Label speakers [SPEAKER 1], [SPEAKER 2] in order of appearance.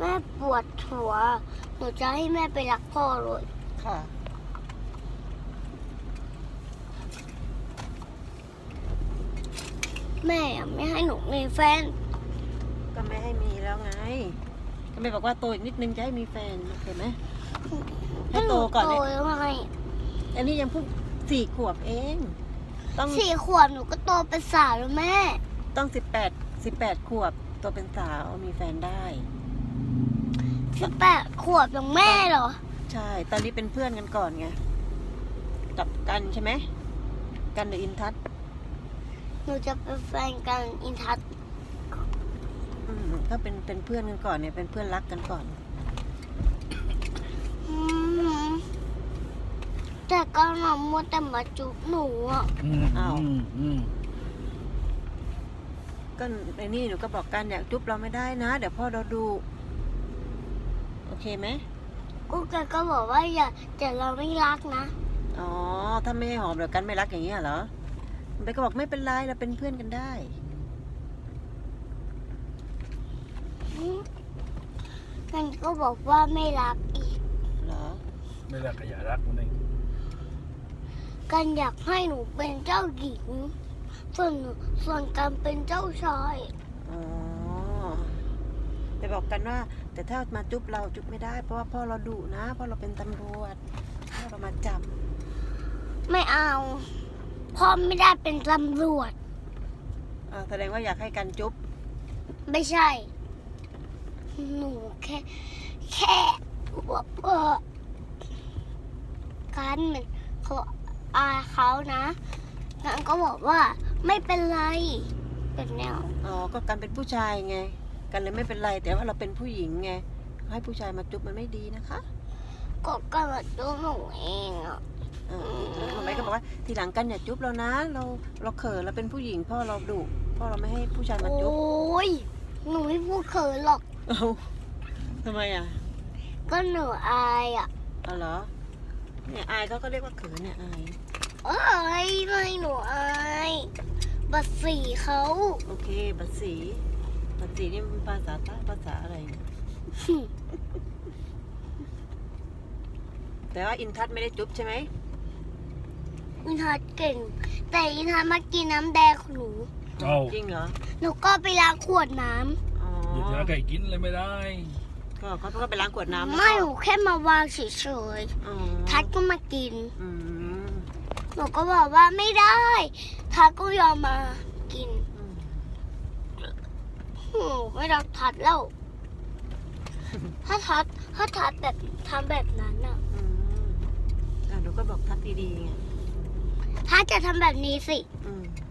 [SPEAKER 1] แม่ปวดหัวหนูจะให้แม่ไปรักพ่อเลย
[SPEAKER 2] ค่ะ
[SPEAKER 1] แม่ไม่ให้หนูมีแฟน
[SPEAKER 2] ก็ไม่ให้มีแล้วไง ก็ไม่บอกว่าโตอีกนิดนึงจะให้มีแฟนโอเคไหมให้โตก่อน
[SPEAKER 1] โต
[SPEAKER 2] เลย
[SPEAKER 1] แล้วไง
[SPEAKER 2] อันนี้ยังเพิ่ง4 ขวบเอง ต้อง
[SPEAKER 1] 4 ขวบหนูก็โตเป็นสาวแล้วแม่
[SPEAKER 2] ต้อง18 ขวบโตเป็นสาวมีแฟนได้
[SPEAKER 1] 18 ขวบอย่างแม่เหรอ
[SPEAKER 2] ใช่ ตอนนี้เป็นเพื่อนกันก่อนไงกับกันใช่ไหมกันหรืออินทัศน์
[SPEAKER 1] หนูจะเป็นแฟนกันอินทัศน์
[SPEAKER 2] ก็เป็นเพื่อนกันก่อนเนี่ยเป็นเพื่อนรักกันก่อน
[SPEAKER 1] อืมแต่ก็หนูมัวแต่มาจุบหนูอ่ะ
[SPEAKER 2] ก็ไอ้นี่หนูก็บอกกันเนี่ยจุ๊บเราไม่ได้นะ เดี๋ยวพ่อเราดูโอเคไหม
[SPEAKER 1] กูแกก็บอกว่าอย่าแต่เราไม่รักนะ
[SPEAKER 2] อ๋อถ้าไม่ให้หอมเดี๋ยวกันไม่รักอย่างเงี้ยเหรอไปก็บอกไม่เป็นไรเราเป็นเพื่อนกันได้
[SPEAKER 1] กันก็บอกว่าไม่รักอีก
[SPEAKER 2] เหรอ
[SPEAKER 3] ไม่รักก็อย่ารักมันเอง
[SPEAKER 1] กันอยากให้หนูเป็นเจ้าหญิง ส่วนกันเป็นเจ้าชาย
[SPEAKER 2] อ๋อไปบอกกันว่า แต่ถ้ามาจุ๊บเราจุ๊บไม่ได้ เพราะว่าพ่อเราดุนะพ่อเราเป็นตำรวจพ่อเรามาจับ
[SPEAKER 1] ไม่เอาพ่อไม่ได้เป็นตำรวจ
[SPEAKER 2] แสดงว่าอยากให้กันจุ๊บ
[SPEAKER 1] ไม่ใช่ หนูแค่ว่ากันเหมือนเขาอาเขานะกันก็บอกว่าไม่เป็นไรเป็นแนว
[SPEAKER 2] อ๋อก็กันเป็นผู้ชายไง กันเลยไม่เป็นไร แต่ว่าเราเป็นผู้หญิงไงให้ผู้ชายมาจุ๊บมันไม่ดีนะคะ
[SPEAKER 1] ก็กันมาดูหนูเองอ่ะ
[SPEAKER 2] ทำไมก็บอกว่าทีหลังกันอย่าจุ๊บเรานะ เราเขินเราเป็นผู้หญิงพ่อเราดุพ่อเราไม่ให้ผู้ชายมา
[SPEAKER 1] โอ
[SPEAKER 2] จุ๊บ้
[SPEAKER 1] ยหนูไม่พูดเขินหรอก
[SPEAKER 2] เอ้าทำไมอ่ะ
[SPEAKER 1] ก็หนูอายอ่ะ
[SPEAKER 2] อ๋อเหรอเนี่ยอายเขาก็เรียกว่าเขินเนี่ยอาย
[SPEAKER 1] เอ้ยไม่หนูอายบัตรสีเขา
[SPEAKER 2] โอเคบัตรสีนี่มันภาษาใต้ภาษาอะไรเนี่ยแต่ว่าอินทัศน์ไม่ได้จุ๊บใช่ไหม
[SPEAKER 1] อินทัศน์เก่ง แต่อินทัศน์มากินน้ำแดงของหนู
[SPEAKER 3] เอา
[SPEAKER 2] จริงเหรอ
[SPEAKER 1] หนูก็ไปล้างขวดน้
[SPEAKER 2] อ๋อ
[SPEAKER 3] อย่าจะไก่กินเลยไม่ได้
[SPEAKER 2] ก็เขาก็ไปล้างขวดน้ำ
[SPEAKER 1] ำ
[SPEAKER 2] แล้ว
[SPEAKER 1] ไม่
[SPEAKER 2] ก็
[SPEAKER 1] หนูแค่มาวางเฉย
[SPEAKER 2] อ๋อ
[SPEAKER 1] ๆทัศน์ก็มากิน
[SPEAKER 2] อืม
[SPEAKER 1] หนูก็บอกว่าไม่ได้ทัศน์ก็ยอมมากิน
[SPEAKER 2] อืม
[SPEAKER 1] หนูไม่รักทัศน์แล้ว ถ้าทัศน์แบบทำแบบนั้นอ่ะ
[SPEAKER 2] อืมหนูก็บอกทักดีๆไง
[SPEAKER 1] ทัศน์จะทำแบบนี้สิ
[SPEAKER 2] อืม